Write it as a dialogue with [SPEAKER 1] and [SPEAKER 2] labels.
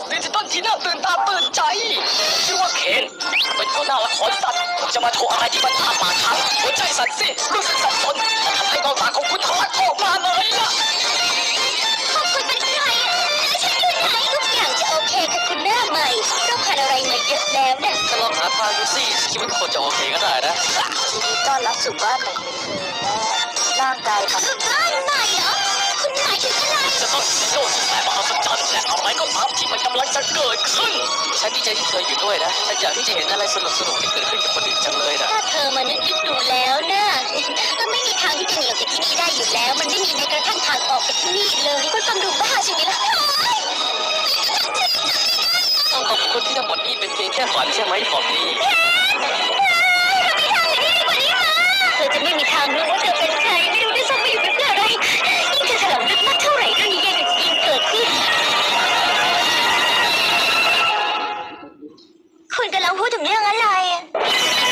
[SPEAKER 1] ดิจิตอลที่น่าตื่นตาตื่นใจชื่อว่าเคนเป็นตัวหน้าละครสัตว์จะมาโชว์อะไรที่มันอ้าปากค้างหัวใจสั่นสิรู้สึกสับสนและทำให้เบ้าตาของคุณทะลักออกมาเลยล่ะ
[SPEAKER 2] พวกคุณเป็นใครและฉันอยู่ไหนทุกอย่างจะโอเคกับคุณหน้าใหม่เราผ่านอะไรมาเยอะแล้วนะ
[SPEAKER 1] ถ้าลองหาทางดูสิคิดว่าคนจะโอเคก็ได้นะ
[SPEAKER 2] ยินดีต้อนรับสู่บ้านใหม่ร่างกายของบ้านใหม่เหรอคุณหมายถึงอะไร
[SPEAKER 1] จะต้องซีโร่ที่แสนมหัศจรรย์และอะไรก็ตามที่มันกำลังจะเกิดขึ้นฉันดีใจที่เธออยู่ด้วยนะฉันอยากที่จะเห็นอะไรสนุกที่เกิดขึ้นกับคนอื่นจังเลยนะ
[SPEAKER 2] ถ้าเธอมานึกดูแล้วนะก็ไม่มีทางที่จะหนีออกจากที่นี่ได้อยู่แล้วมันไม่มีแม้กระทั่งทางออกจากที่นี่เลยคุณฟังดูบ้าใช่ไหมล่ะ
[SPEAKER 1] ต้องขอบคุณที่ทั้งหมดนี้เป็นเพียงแค่ฝันใช่ไหมของนี้
[SPEAKER 2] เธอจะไม่มีทางรู้ว่าเธอเป็นใครไม่รู้ด้วยซ้ำว่าอยู่เป็นเพื่ออะไรยิ่งเธอถลำลึกมากเท่าไหร่เรื่องนี้ยิ่งเกิดขึ้นคุณกำลังพูดถึงเรื่องอะไร